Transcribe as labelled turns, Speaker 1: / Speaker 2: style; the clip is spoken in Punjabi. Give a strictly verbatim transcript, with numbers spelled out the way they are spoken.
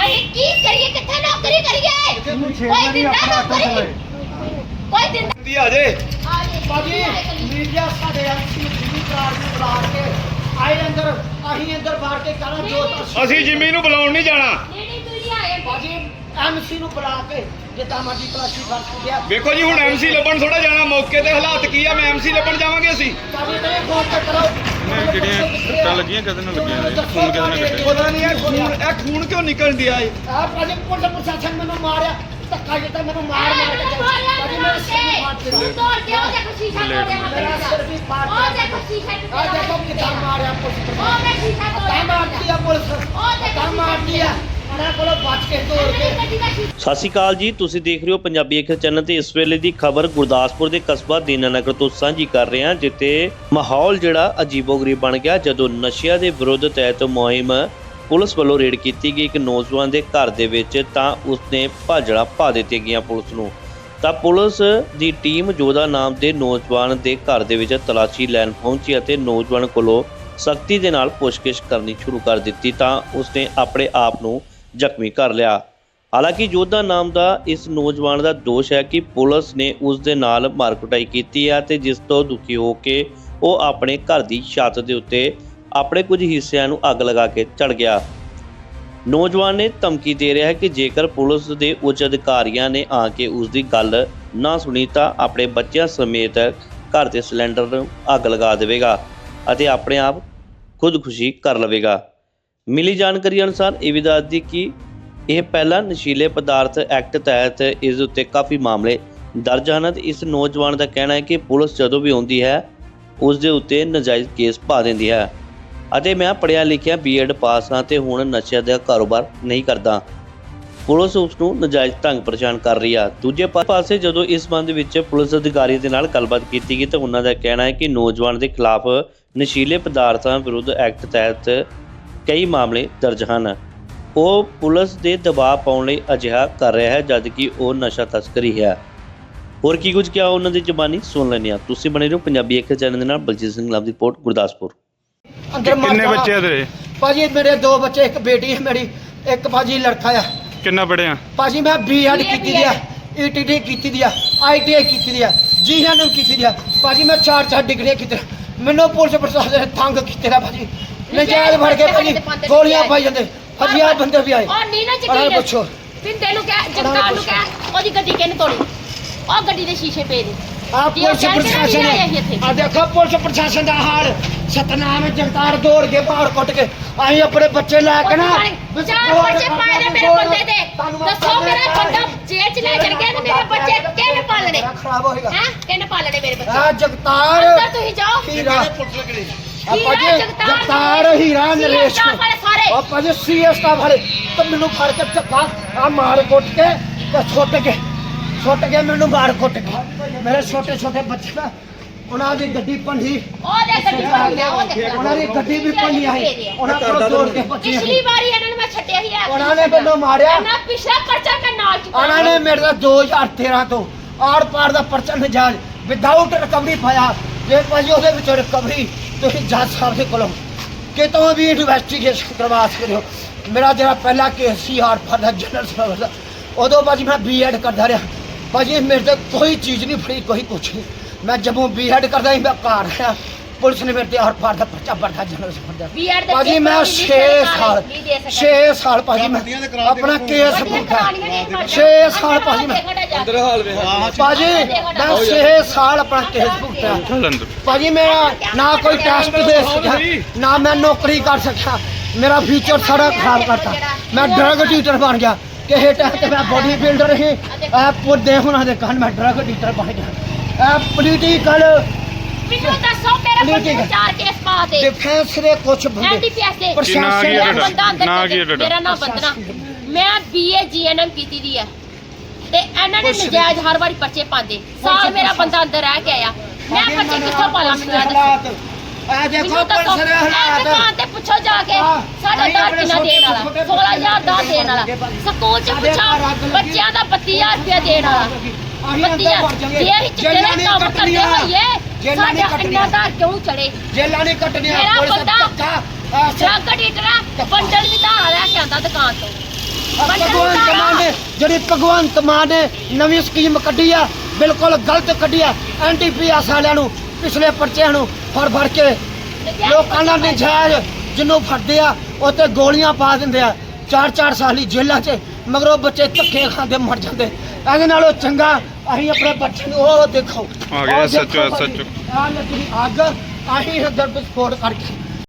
Speaker 1: ਅਸੀਂ ਕੀ ਕਰੀਏ, ਕਿੱਥੇ ਨੌਕਰੀ ਕਰੀਏ? ਕੋਈ ਦਿੰਦਾ ਨੌਕਰੀ, ਕੋਈ ਦਿੰਦਾ
Speaker 2: ਆ ਜੇ
Speaker 3: ਬਾਜੀ ਮੀਡੀਆ ਸਾਡੇ ਐਮਸੀ ਦੀ ਕਾਰ ਨੂੰ ਬੁਲਾ ਕੇ ਆਏ ਅੰਦਰ, ਅਸੀਂ ਅੰਦਰ ਬਾਹਰ ਕੇ ਕਰਾਂ ਜੋ
Speaker 2: ਅਸੀਂ ਜਿਮੀ ਨੂੰ ਬੁਲਾਉਣ ਨਹੀਂ ਜਾਣਾ।
Speaker 1: ਨਹੀਂ ਨਹੀਂ ਮੀਡੀਆ ਆਏ
Speaker 3: ਬਾਜੀ ਐਮਸੀ ਨੂੰ ਬੁਲਾ ਕੇ ਜਿੱਦਾਂ ਮਰਜੀ ਤਲਾਸ਼ੀ ਕਰ ਗਿਆ।
Speaker 2: ਵੇਖੋ ਜੀ ਹੁਣ ਐਮਸੀ ਲੱਭਣ ਥੋੜਾ ਜਾਣਾ, ਮੌਕੇ ਤੇ ਹਾਲਾਤ ਕੀ ਆ, ਮੈਂ ਐਮਸੀ ਲੱਭਣ ਜਾਵਾਂਗੇ ਅਸੀਂ।
Speaker 3: ਬਾਜੀ ਤੇ ਫੋਨ ਤੇ ਕਰੋ
Speaker 4: ਨਹੀਂ ਜਿਹੜੀਆਂ ਸੱਟਾਂ ਲੱਗੀਆਂ ਕਦੇ ਨਾ ਲੱਗੀਆਂ ਨੇ, ਖੂਨ ਕਦੇ ਨਾ ਕੱਢਿਆ।
Speaker 2: ਪਤਾ ਨਹੀਂ ਇਹ ਖੂਨ ਇਹ ਖੂਨ ਕਿਉਂ ਨਿਕਲਣ ਦਿਆ ਏ?
Speaker 3: ਆ ਬਾਜੀ ਪੁਲਿਸ ਪ੍ਰਸ਼ਾਸਨ ਮੈਨੂੰ ਮਾਰਿਆ, ਧੱਕਾ ਦਿੱਤਾ ਮੈਨੂੰ ਮਾਰ ਮਾਰ ਕੇ। ਬਾਜੀ ਮੈਂ ਸਿਰ ਫਾੜ ਕੇ
Speaker 1: ਤੂੰ ਤੋੜ ਕੇ ਉਹ ਦੇਖੋ ਸ਼ੀਸ਼ਾ ਤੋੜਿਆ
Speaker 3: ਮੇਰਾ ਸਿਰ ਵੀ ਫਾੜ
Speaker 1: ਉਹ
Speaker 3: ਕੇ।
Speaker 1: ਦੇਖੋ ਸ਼ੀਸ਼ਾ
Speaker 3: ਆ ਦੇਖੋ ਕਿੱਦਾਂ ਮਾਰਿਆ ਪੁਲਿਸ
Speaker 1: ਉਹ ਮੈਂ ਸ਼ੀਸ਼ਾ
Speaker 3: ਤਾਂ
Speaker 1: ਤੋੜਿਆ
Speaker 3: ਮਾਰਦੀ ਆ ਪੁਲਿਸ, ਤਾਂ ਮਾਰਦੀ ਆ ਉਹਨਾਂ ਕੋਲੋਂ ਬਚ ਕੇ ਤੋੜ ਕੇ।
Speaker 5: ਸਤਿ ਸ਼੍ਰੀ ਅਕਾਲ ਜੀ, ਤੁਸੀਂ ਦੇਖ ਰਹੇ ਹੋ ਪੰਜਾਬੀ ਅਖਰ ਚੈਨਲ ਤੇ ਇਸ ਵੇਲੇ ਦੀ ਖਬਰ ਗੁਰਦਾਸਪੁਰ ਦੇ ਕਸਬਾ ਦੀਨਾਨਗਰ ਤੋਂ ਸਾਂਝੀ ਕਰ ਰਹੇ ਹਾਂ, ਜਿੱਥੇ ਮਾਹੌਲ ਜਿਹੜਾ ਅਜੀਬੋ-ਗਰੀਬ ਬਣ ਗਿਆ ਜਦੋਂ ਨਸ਼ਿਆਂ ਦੇ ਵਿਰੁੱਧ ਤਹਿਤ ਮੁਹਿੰਮ ਪੁਲਿਸ ਵੱਲੋਂ ਰੇਡ ਕੀਤੀ ਗਈ ਇੱਕ ਨੌਜਵਾਨ ਦੇ ਘਰ ਦੇ ਵਿੱਚ, ਤਾਂ ਉਸਨੇ ਭਾਜੜਾ ਪਾ ਦਿੱਤੀਆਂ ਗਈਆਂ ਪੁਲਿਸ ਨੂੰ। ਤਾਂ ਪੁਲਿਸ ਦੀ ਟੀਮ ਜੋਧਾ ਨਾਮ ਦੇ ਨੌਜਵਾਨ ਦੇ ਘਰ ਦੇ ਵਿੱਚ ਤਲਾਸ਼ੀ ਲੈਣ ਪਹੁੰਚੀ ਅਤੇ ਨੌਜਵਾਨ ਕੋਲੋਂ ਸਖਤੀ ਦੇ ਨਾਲ ਪੁੱਛਗਿੱਛ ਕਰਨੀ ਸ਼ੁਰੂ ਕਰ ਦਿੱਤੀ, ਤਾਂ ਉਸਨੇ ਆਪਣੇ ਆਪ ਨੂੰ ਜ਼ਖਮੀ ਕਰ ਲਿਆ। ਹਾਲਾਂਕਿ ਜੋਧਾ ਨਾਮ ਦਾ ਇਸ ਨੌਜਵਾਨ ਦਾ ਦੋਸ਼ ਹੈ ਕਿ ਪੁਲਿਸ ਨੇ ਉਸ ਦੇ ਨਾਲ ਮਾਰਕੁਟਾਈ ਕੀਤੀ ਹੈ ਤੇ ਜਿਸ ਤੋਂ ਦੁਖੀ ਹੋ ਕੇ ਉਹ ਆਪਣੇ ਘਰ ਦੀ ਛੱਤ ਦੇ ਉੱਤੇ ਆਪਣੇ ਕੁਝ ਹਿੱਸਿਆਂ ਨੂੰ ਅੱਗ ਲਗਾ ਕੇ ਚੜ ਗਿਆ। ਨੌਜਵਾਨ ਨੇ ਧਮਕੀ ਦੇ ਰਿਹਾ ਹੈ ਕਿ ਜੇਕਰ ਪੁਲਿਸ ਦੇ ਉੱਚ ਅਧਿਕਾਰੀਆਂ ਨੇ ਆ ਕੇ ਉਸ ਦੀ ਗੱਲ ਨਾ ਸੁਣੀ ਤਾਂ ਆਪਣੇ ਬੱਚਿਆਂ ਸਮੇਤ ਘਰ ਦੇ ਸਿਲੰਡਰ ਨੂੰ ਅੱਗ ਲਗਾ ਦੇਵੇਗਾ ਅਤੇ ਆਪਣੇ ਆਪ ਖੁਦਕੁਸ਼ੀ ਕਰ ਲਵੇਗਾ। ਮਿਲੀ ਜਾਣਕਾਰੀ ਅਨੁਸਾਰ ਇਹ ਵੀ ਦੱਸਦੀ ਕਿ ਇਹ ਪਹਿਲਾਂ ਨਸ਼ੀਲੇ ਪਦਾਰਥ ਐਕਟ ਤਹਿਤ ਇਸ ਉੱਤੇ ਕਾਫੀ ਮਾਮਲੇ ਦਰਜ ਹਨ ਤੇ ਇਸ ਨੌਜਵਾਨ ਦਾ ਕਹਿਣਾ ਹੈ ਕਿ ਪੁਲਿਸ ਜਦੋਂ ਵੀ ਆਉਂਦੀ ਹੈ ਉਸ ਦੇ ਉੱਤੇ ਨਜਾਇਜ਼ ਕੇਸ ਪਾ ਦਿੰਦੀ ਹੈ ਅਤੇ ਮੈਂ ਪੜ੍ਹਿਆ ਲਿਖਿਆ ਬੀ ਐਡ ਪਾਸ ਹਾਂ ਤੇ ਹੁਣ ਨਸ਼ਿਆਂ ਦਾ ਕਾਰੋਬਾਰ ਨਹੀਂ ਕਰਦਾ। ਪੁਲਿਸ ਉਸ ਨੂੰ ਨਜਾਇਜ਼ ਢੰਗ ਪਰੇਸ਼ਾਨ ਕਰ ਰਹੀ ਆ। ਦੂਜੇ ਪਾਸੇ ਜਦੋਂ ਇਸ ਸੰਬੰਧ ਵਿੱਚ ਪੁਲਿਸ ਅਧਿਕਾਰੀ ਦੇ ਨਾਲ ਗੱਲਬਾਤ ਕੀਤੀ ਗਈ ਤਾਂ ਉਹਨਾਂ ਦਾ ਕਹਿਣਾ ਹੈ ਕਿ ਨੌਜਵਾਨ ਦੇ ਖਿਲਾਫ ਨਸ਼ੀਲੇ ਪਦਾਰਥਾਂ ਵਿਰੁੱਧ ਐਕਟ ਤਹਿਤ ਕਈ ਮਾਮਲੇ ਦਰਜ ਹਨ। ਉਹ ਪੁਲਿਸ ਦੇ ਦਬਾਅ ਪਾਉਣ ਲਈ ਅਜਿਹਾ ਕਰ ਰਿਹਾ ਹੈ ਜਦਕਿ ਉਹ ਨਸ਼ਾ ਤਸਕਰੀ ਹੈ। ਹੋਰ ਕੀ ਕੁਝ ਕਿਹਾ ਉਹਨਾਂ ਦੀ ਜ਼ਬਾਨੀ ਸੁਣ ਲੈਂਦੇ ਹਾਂ। ਤੁਸੀਂ ਬਣੇ ਰਹੋ ਪੰਜਾਬੀ ਅਖਰ ਚੈਨਲ ਦੇ ਨਾਲ। ਬਲਜੀਤ ਸਿੰਘ ਲਾਭ ਦੀ ਰਿਪੋਰਟ, ਗੁਰਦਾਸਪੁਰ।
Speaker 3: ਅੰਦਰ
Speaker 4: ਕਿੰਨੇ ਬੱਚੇ ਆ ਤੇਰੇ?
Speaker 3: ਭਾਜੀ ਮੇਰੇ ਦੋ ਬੱਚੇ, ਇੱਕ ਬੇਟੀ ਹੈ ਮੇਰੀ, ਇੱਕ ਭਾਜੀ ਲੜਕਾ ਆ।
Speaker 4: ਕਿੰਨਾ ਪੜਿਆ?
Speaker 3: ਭਾਜੀ ਮੈਂ ਬੀ ਐਡ ਕੀਤੀ ਦੀ ਆ, ਈ ਟੀ ਟੀ ਕੀਤੀ ਦੀ ਆ, ਆਈ ਟੀ ਆਈ ਕੀਤੀ ਦੀ ਆ, ਜੀ ਐਨ ਐਮ ਕੀਤੀ ਦੀ ਆ। ਭਾਜੀ ਮੈਂ ਚਾਰ ਚਾਰ ਡਿਗਰੀਆਂ ਕੀਤੀਆਂ। ਮੈਨੂੰ ਪੁਲਿਸ ਪ੍ਰਸ਼ਾਸਨ ਨੇ ਤੰਗ ਕੀਤੇ ਦਾ ਭਾਜੀ, ਨਜਾਇਜ਼ ਫੜ ਕੇ ਭਾਜੀ ਗੋਲੀਆਂ ਪਾਈ ਜਾਂਦੇ, ਹਜ਼ਾਰ ਬੰਦੇ ਵੀ ਆਏ।
Speaker 1: ਉਹ ਨੀਨਾ
Speaker 3: ਉਹਨਾਂ ਨੂੰ
Speaker 1: ਜੱਗੀ
Speaker 3: ਪੁੱਛੋ,
Speaker 1: ਪਿੰਡੇ ਨੂੰ ਕਹਿ, ਜਗਤਾਰ ਨੂੰ ਕਹਿ ਉਹਦੀ ਗੱਡੀ ਕਿਹਨੇ ਤੋੜੀ, ਉਹ ਗੱਡੀ ਦੇ ਸ਼ੀਸ਼ੇ ਪਏ ਨੇ।
Speaker 3: ਆ ਪੁਲਿਸ ਪ੍ਰਸ਼ਾਸਨ ਨੇ ਆ ਦੇਖੋ ਪੁਲਿਸ ਪ੍ਰਸ਼ਾਸਨ ਦਾ ਹਾਲ। ਸਤਨਾਮ ਜਗਤਾਰ ਦੌੜ ਕੇ ਬਾਹਰ ਕੁੱਟ ਕੇ ਅਸੀਂ ਆਪਣੇ ਬੱਚੇ ਲੈ ਕੇ ਨਾ
Speaker 1: ਚਾਰ ਬੱਚੇ ਪਾਏ ਨੇ ਮੇਰੇ ਬੰਦੇ ਦੇ। ਦੱਸੋ ਮੇਰਾ ਬੰਦਾ ਜੇਲ੍ਹ ਚ ਲੈ ਚੜ ਗਿਆ ਤੇ ਮੇਰੇ ਬੱਚੇ ਕਿਹਨੇ ਪਾਲਣੇ?
Speaker 3: ਖਰਾਬ ਹੋਏਗਾ
Speaker 1: ਹੈ ਕਿਹਨੇ ਪਾਲਣੇ ਮੇਰੇ ਬੱਚੇ?
Speaker 3: ਆ ਜਗਤਾਰ
Speaker 1: ਅੰਦਰ ਤੁਸੀਂ ਜਾਓ।
Speaker 3: ਹੀਰਾ
Speaker 1: ਹੀਰਾ
Speaker 3: ਭਾਜੀ ਜਗਤਾਰ ਹੀਰਾ ਨਰੇਸ਼
Speaker 1: ਸਾਰੇ
Speaker 3: ਆ ਭਾਜੀ ਸੀ ਐਸ ਸਟਾਫ ਵਾਲੇ ਤਾਂ ਮੈਨੂੰ ਫੜ ਕੇ ਧੱਕਾ ਆ ਮਾਰ ਕੁੱਟ ਕੇ ਤੇ ਸੁੱਟ ਕੇ ਸੁੱਟ ਕੇ ਮੈਨੂੰ ਮਾਰ ਕੁੱਟ ਕੇ ਮੇਰੇ ਛੋਟੇ ਛੋਟੇ ਬੱਚੇ ਨਾ ਉਹਨਾਂ ਦੀ ਗੱਡੀ ਭੰਡੀ,
Speaker 1: ਉਹ ਦੇ ਗੱਡੀ ਭੰਡੀ ਆ, ਉਹ ਦੇਖ
Speaker 3: ਉਹਨਾਂ ਦੀ ਗੱਡੀ ਵੀ ਭੰਡੀ ਆਈ। ਉਹਨਾਂ ਕੋਲ ਤੋੜ ਕੇ ਬੱਚੇ
Speaker 1: ਪਿਛਲੀ ਵਾਰੀ ਇਹਨਾਂ ਨੂੰ ਮੈਂ ਛੱਡਿਆ ਹੀ ਆ।
Speaker 3: ਉਹਨਾਂ ਨੇ ਮੈਨੂੰ ਮਾਰਿਆ।
Speaker 1: ਨਾ ਪਿਛਲਾ ਪਰਚਾ ਮੈਂ ਨਾਲ ਚੁੱਕਾ।
Speaker 3: ਉਹਨਾਂ ਨੇ ਮੇਰੇ ਦਾ ਦੋ ਹਜ਼ਾਰ ਤੇਰਾਂ ਤੋਂ ਆਰ ਪਾਰ ਦਾ ਪਰਚਾ ਨਜਾਇਜ਼ ਵਿਦਆਊਟ ਰਿਕਵਰੀ ਪਾਇਆ। ਜੇ ਭਾਜੀ ਉਹਦੇ ਵਿੱਚ ਰਿਕਵਰੀ ਤੁਸੀਂ ਜੱਜ ਸਾਹਿਬ ਦੇ ਕੋਲੋਂ ਕਿਤੋਂ ਵੀ ਇਨਵੈਸਟੀਗੇਸ਼ਨ ਕਰਵਾ ਸਕਦੇ ਹੋ। ਮੇਰਾ ਜਿਹੜਾ ਪਹਿਲਾ ਕੇਸ ਸੀ ਆਰ ਪਾਰ ਦਾ ਜਨਰਲ ਸਰਵਿਸ ਦਾ, ਉਦੋਂ ਭਾਜੀ ਮੈਂ ਬੀ ਐਡ ਕਰਦਾ ਰਿਹਾ। ਭਾਜੀ ਮੇਰੇ ਤੇ ਕੋਈ ਚੀਜ਼ ਨਹੀਂ ਫੜੀ, ਕੋਈ ਕੁਛ ਨਹੀਂ। ਮੈਂ ਜਦੋਂ ਬੀ ਐਡ ਕਰਦਾ ਸੀ ਮੈਂ ਘਰ ਆਇਆ, ਪੁਲਿਸ ਨੇ ਮੇਰੇ ਤੇ ਆਰ ਪਾਰ ਦਾ ਪਰਚਾ ਪੜਦਾ ਜਨਰਲ ਸਰਵਿਸ ਦਾ। ਭਾਜੀ ਮੈਂ ਛੇ ਸਾਲ ਛੇ ਸਾਲ ਭਾਜੀ ਮੈਂ ਆਪਣਾ ਕੇਸ ਭੁਗਤਿਆ। ਛੇ ਸਾਲ ਭਾਜੀ ਮੈਂ
Speaker 2: ਅੰਦਰ ਹਾਲ ਵੇ
Speaker 3: ਭਾਜੀ ਮੈਂ ਛੇ ਸਾਲ ਆਪਣਾ ਕੇਸ ਭੁਗਤਿਆ। ਭਾਜੀ ਮੇਰਾ ਨਾ ਕੋਈ ਟੈਸਟ ਦੇ ਸਕਿਆ, ਨਾ ਮੈਂ ਨੌਕਰੀ ਕਰ ਸਕਿਆ। ਮੇਰਾ ਫਿਊਚਰ ਸਾਰਾ ਖਰਾਬ ਕਰਤਾ। ਮੈਂ ਡਰਗ ਡੀਲਰ ਬਣ ਗਿਆ। ਕਿਸੇ ਟਾਈਮ ਤੇ ਮੈਂ ਬੋਡੀ ਬਿਲਡਰ ਸੀ, ਇਹ ਪੁੱਦੇ ਉਹਨਾਂ ਦੇ ਕੰਨ ਮੈਂ ਡਰਗ ਡੀਲਰ ਬਣ ਗਿਆ। ਇਹ ਪੋਲੀਟੀਕਲ
Speaker 1: ਮੈਨੂੰ ਦੱਸੋ ਮੇਰੇ ਬੰਦੇ ਨੂੰ ਚਾਰ ਕੇਸ ਪਾ ਦੇ।
Speaker 3: ਡਿਫੈਂਸ ਦੇ ਕੁਝ ਬੰਦੇ
Speaker 1: ਐਨਡੀਪੀਐਸ ਦੇ
Speaker 3: ਪ੍ਰਸ਼ਾਸਨ
Speaker 1: ਮੇਰਾ
Speaker 3: ਦੇ
Speaker 1: ਬੰਦਾ ਅੰਦਰ
Speaker 4: ਨਾ
Speaker 1: ਚੱਲ
Speaker 4: ਕੀ
Speaker 1: ਗਿਆ।
Speaker 4: ਤੁਹਾਡਾ?
Speaker 1: ਮੇਰਾ ਨਾਮ ਬੰਦਨਾ, ਮੈਂ ਬੀਏ ਜੀਐਨਐਮ ਕੀਤੀ ਦੀ ਹੈ ਤੇ ਇਹਨਾਂ ਨੇ ਨਜਾਇਜ਼ ਹਰ ਵਾਰੀ ਪਰਚੇ ਪਾਉਂਦੇ। ਸਾਲ ਮੇਰਾ ਬੰਦਾ ਅੰਦਰ ਰਹਿ ਕੇ ਆਇਆ, ਮੈਂ ਪਰਚੇ ਕਿੱਥੋਂ ਪਾਲਾਂ? ਮੈਨੂੰ ਇਹ ਦੱਸੋ।
Speaker 3: ਇਹ ਦੇਖੋ
Speaker 1: ਮੈਨੂੰ ਦੱਸੋ,
Speaker 3: ਪੁਲਿਸ ਦੇ
Speaker 1: ਇਹ
Speaker 3: ਹਾਲਾਤ।
Speaker 1: ਦੁਕਾਨ ਤੇ ਪੁੱਛੋ ਜਾ ਕੇ ਸਾਡਾ ਦਾਰ ਕਿੰਨਾ ਦੇਣ ਵਾਲਾ, ਸੋਲਾਂ ਹਜ਼ਾਰ ਦਾ ਦੇਣ ਵਾਲਾ। ਸਕੂਲ ਚ ਪੁੱਛੋ ਬੱਚਿਆਂ ਦਾ ਬੱਤੀ ਹਜ਼ਾਰ ਰੁਪਇਆ ਦੇਣ ਵਾਲਾ। ਬੱਤੀ ਹਜ਼ਾਰ ਜੇ ਅਸੀਂ ਚਿੱਟੇ ਦਾ ਕੰਮ ਕਰਦੇ ਹੋਈਏ ਸਾਡਾ ਇੰਨਾ ਦਾ ਕਿਉਂ ਚੜੇ?
Speaker 3: ਜੇਲਾਂ ਨੇ ਕੱਟਣੀਆਂ
Speaker 1: ਮੇਰਾ
Speaker 3: ਪੁਲਿਸ
Speaker 1: ਬੰਦਾ
Speaker 3: ਧੱਕਾ
Speaker 1: ਡਰਗ ਡੀਲਰ ਬੰਡਲ ਵੀ ਧਾਰਾ ਲੈ ਕੇ ਆਂਦਾ ਦੁਕਾਨ ਤੋਂ।
Speaker 3: ਭਗਵੰਤ ਮਾਨ ਨੇ ਜਿਹੜੀ ਭਗਵੰਤ ਮਾਨ ਨੇ ਨਵੀਂ ਸਕੀਮ ਕੱਢੀ ਆ ਬਿਲਕੁਲ ਗਲਤ ਕੱਢੀ ਆ ਐਂਟੀ ਪੀ ਐਸ ਵਾਲਿਆਂ ਨੂੰ ਪਿਛਲੇ ਪਰਚਿਆਂ ਨੂੰ ਫੜ ਫੜ ਕੇ ਲੋਕਾਂ ਦਾ ਨਜਾਇਜ਼ ਜਿਹਨੂੰ ਫੜਦੇ ਆ ਉਹ ਤੇ ਗੋਲੀਆਂ ਪਾ ਦਿੰਦੇ ਆ ਚਾਰ ਚਾਰ ਸਾਲੀ ਜੇਲ੍ਹਾਂ 'ਚ ਮਗਰੋਂ ਬੱਚੇ ਧੱਕੇ ਖਾਂਦੇ ਮਰ ਜਾਂਦੇ ਇਹਦੇ ਨਾਲੋਂ ਚੰਗਾ ਅਸੀਂ ਆਪਣੇ ਬੱਚੇ ਨੂੰ ਉਹ ਦੇਖੋ
Speaker 4: ਆ ਗਿਆ ਸੱਚੋ ਸੱਚੋ
Speaker 3: ਆਹ ਲੱਗੀ ਅੱਗ ਅਸੀਂ ਇੱਧਰ ਵਿਸਫੋਟ ਕਰਕੇ